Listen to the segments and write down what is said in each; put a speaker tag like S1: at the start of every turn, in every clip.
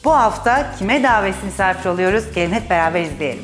S1: Bu hafta kime davetsiz misafir oluyoruz? Gelin hep beraber izleyelim.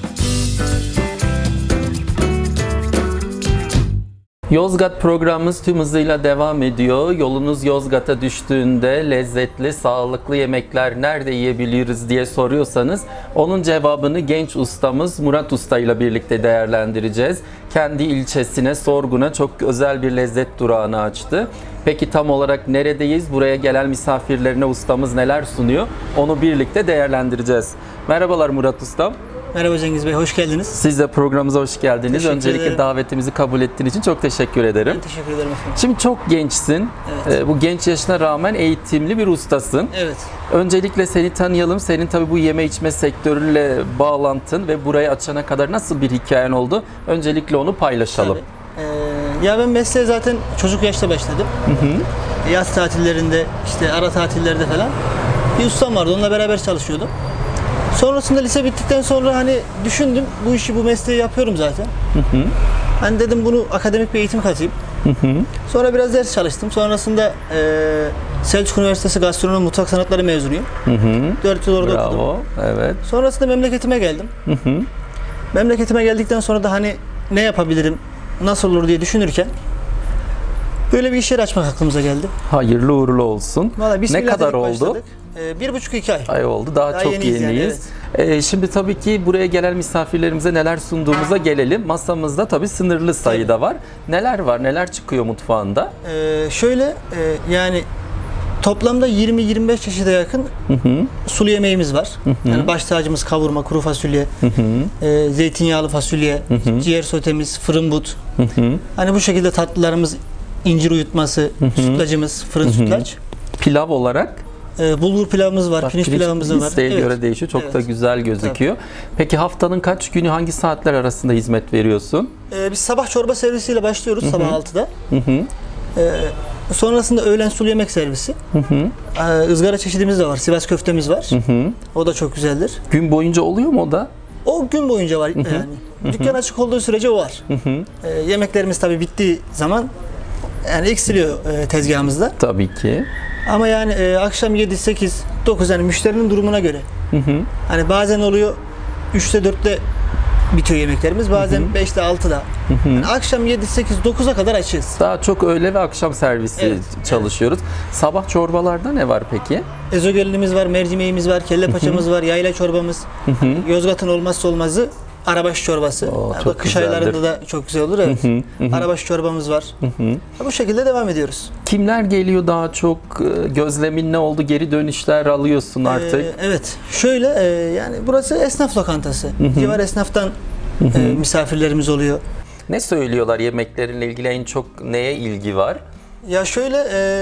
S2: Yozgat programımız tüm hızıyla devam ediyor. Yolunuz Yozgat'a düştüğünde lezzetli, sağlıklı yemekler nerede yiyebiliriz diye soruyorsanız onun cevabını genç ustamız Murat Usta ile birlikte değerlendireceğiz. Kendi ilçesine, Sorgun'a çok özel bir lezzet durağını açtı. Peki tam olarak neredeyiz? Buraya gelen misafirlerine ustamız neler sunuyor? Onu birlikte değerlendireceğiz. Merhabalar Murat Ustam.
S3: Merhaba Cengiz Bey, hoş geldiniz.
S2: Siz de programımıza hoş geldiniz.
S3: Teşekkür
S2: Öncelikle
S3: ederim.
S2: davetimizi kabul ettiğiniz için çok teşekkür ederim.
S3: Ben teşekkür ederim efendim.
S2: Şimdi çok gençsin.
S3: Evet.
S2: Bu genç yaşına rağmen eğitimli bir ustasın.
S3: Evet.
S2: Öncelikle seni tanıyalım. Senin tabii bu yeme içme sektörüyle bağlantın ve burayı açana kadar nasıl bir hikayen oldu? Öncelikle onu paylaşalım.
S3: Ya ben mesleğe zaten çocuk yaşta başladım. Yaz tatillerinde, işte ara tatillerde falan bir ustam vardı. Onunla beraber çalışıyordum. Sonrasında lise bittikten sonra hani düşündüm, bu işi, bu mesleği yapıyorum zaten. Hani dedim bunu akademik bir eğitim katayım. Sonra biraz ders çalıştım. Sonrasında Selçuk Üniversitesi Gastronomi Mutfak Sanatları mezunuyum. 4 yıl orada okudum.
S2: Bravo. Evet.
S3: Sonrasında memleketime geldim. Memleketime geldikten sonra da hani ne yapabilirim, nasıl olur diye düşünürken böyle bir iş yeri açmak aklımıza geldi.
S2: Hayırlı uğurlu olsun.
S3: Vallahi
S2: Ne
S3: bismillah
S2: kadar
S3: dedik,
S2: oldu?
S3: başladık. 1,5-2 ay.
S2: Ay oldu. Daha çok
S3: yeniyiz
S2: yeniyiz.
S3: yani,
S2: Şimdi tabii ki buraya gelen misafirlerimize neler sunduğumuza gelelim. Masamızda tabii sınırlı sayıda var. Neler var? Neler çıkıyor mutfağında?
S3: Yani toplamda 20-25 çeşide yakın sulu yemeğimiz var. Yani baş tacımız kavurma, kuru fasulye, zeytinyağlı fasulye, ciğer sotemiz, fırın but. Hani bu şekilde tatlılarımız, incir uyutması, sütlacımız, fırın sütlaç.
S2: Pilav olarak?
S3: Bulgur pilavımız var, pirinç pilavımız var.
S2: İsteğe göre değişiyor. Çok da güzel gözüküyor. Peki haftanın kaç günü, hangi saatler arasında hizmet veriyorsun?
S3: Biz sabah çorba servisiyle başlıyoruz sabah 6'da. Sonrasında öğlen sulu yemek servisi. Izgara çeşidimiz de var. Sivas köftemiz var. O da çok güzeldir.
S2: Gün boyunca oluyor mu o da?
S3: O gün boyunca var yani. Dükkan açık olduğu sürece o var. Yemeklerimiz tabii bittiği zaman yani eksiliyor tezgahımızda.
S2: Tabii ki.
S3: Ama yani akşam 7, 8, 9 yani müşterinin durumuna göre. Hani bazen oluyor 3'te 4'te bitiyor yemeklerimiz. Bazen 5'te 6'da. Yani akşam 7, 8, 9'a kadar açığız.
S2: Daha çok öğle ve akşam servisi çalışıyoruz. Sabah çorbalarda ne var peki?
S3: Ezogelinimiz var, mercimeğimiz var, kelle paçamız var, yayla çorbamız. Yozgat'ın olmazsa olmazı arabaşı çorbası.
S2: Çok
S3: kış
S2: güzeldir.
S3: aylarında da çok güzel olur, evet. Arabaşı çorbamız var. Bu şekilde devam ediyoruz.
S2: Kimler geliyor daha çok? Gözlemin ne oldu? Geri dönüşler alıyorsun artık.
S3: Evet. Şöyle yani burası esnaf lokantası. Civar esnaftan misafirlerimiz oluyor.
S2: Ne söylüyorlar yemeklerinle ilgili, en çok neye ilgi var?
S3: Ya şöyle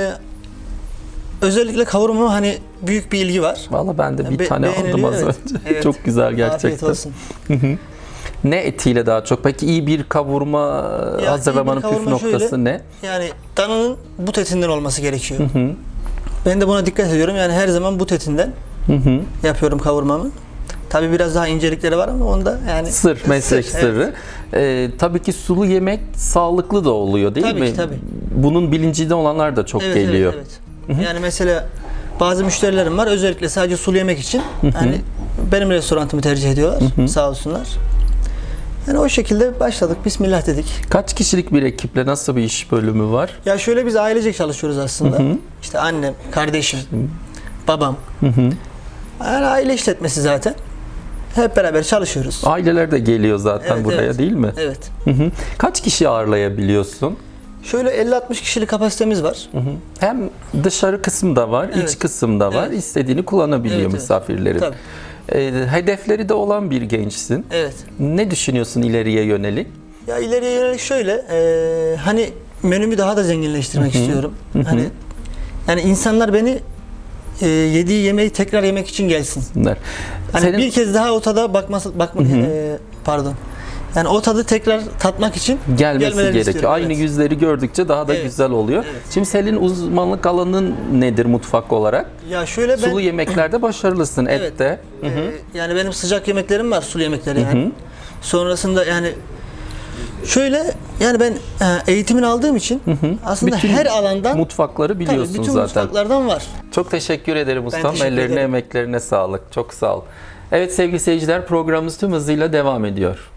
S3: özellikle kavurma hani büyük bir ilgi var.
S2: Vallahi ben de bir tane aldım
S3: beğeniliyor,
S2: az
S3: evet.
S2: önce.
S3: Evet.
S2: Çok güzel gerçekten.
S3: Afiyet olsun.
S2: Ne etiyle daha çok? Peki iyi bir kavurma
S3: Ya
S2: hazırlamanın
S3: iyi bir
S2: püf
S3: kavurma
S2: noktası
S3: şöyle,
S2: ne?
S3: Yani dananın but etinden olması gerekiyor. Ben de buna dikkat ediyorum. Yani her zaman but etinden yapıyorum kavurmamı. Tabii biraz daha incelikleri var ama onda yani
S2: Sır, meslek sırrı. Tabii ki sulu yemek sağlıklı da oluyor değil
S3: Tabii
S2: mi?
S3: ki, tabii.
S2: Bunun bilincinde olanlar da çok geliyor.
S3: Evet. Yani mesela bazı müşterilerim var özellikle sadece sulu yemek için hani benim restoranımı tercih ediyorlar. Sağ olsunlar. Yani o şekilde başladık. Bismillah dedik.
S2: Kaç kişilik bir ekiple nasıl bir iş bölümü var?
S3: Ya şöyle biz ailecek çalışıyoruz aslında. İşte annem, kardeşim, babam. Yani aile işletmesi zaten. Hep beraber çalışıyoruz.
S2: Aileler de geliyor zaten
S3: Evet,
S2: buraya
S3: evet.
S2: değil mi?
S3: Evet.
S2: Kaç kişi ağırlayabiliyorsun?
S3: Şöyle 50-60 kişilik kapasitemiz var.
S2: Hem dışarı kısım da var,
S3: Evet.
S2: iç kısım da var.
S3: Evet.
S2: İstediğini kullanabiliyor
S3: Evet,
S2: misafirlerin.
S3: Tabii.
S2: Hedefleri de olan bir gençsin.
S3: Evet.
S2: Ne düşünüyorsun ileriye yönelik?
S3: Ya ileriye yönelik şöyle, hani menümü daha da zenginleştirmek istiyorum. Hani yani insanlar beni yediği yemeği tekrar yemek için gelsinler. Hani bir kez daha o tada pardon. Yani o tadı tekrar tatmak için
S2: gelmesi gerekiyor.
S3: istiyorum.
S2: Aynı yüzleri gördükçe daha da güzel oluyor.
S3: Evet.
S2: Şimdi senin uzmanlık alanın nedir mutfak olarak?
S3: Ya şöyle ben
S2: Sulu yemeklerde başarılısın,
S3: Evet.
S2: ette.
S3: yani benim sıcak yemeklerim var, sulu yemekleri yani. Sonrasında yani Şöyle yani ben eğitimini aldığım için aslında
S2: Bütün
S3: her alandan
S2: mutfakları biliyorsun
S3: tabii, bütün
S2: zaten.
S3: mutfaklardan var.
S2: Çok teşekkür ederim ustam.
S3: teşekkür
S2: Ellerine,
S3: ederim.
S2: emeklerine sağlık. Çok sağ ol. Evet sevgili seyirciler, programımız tüm hızıyla devam ediyor.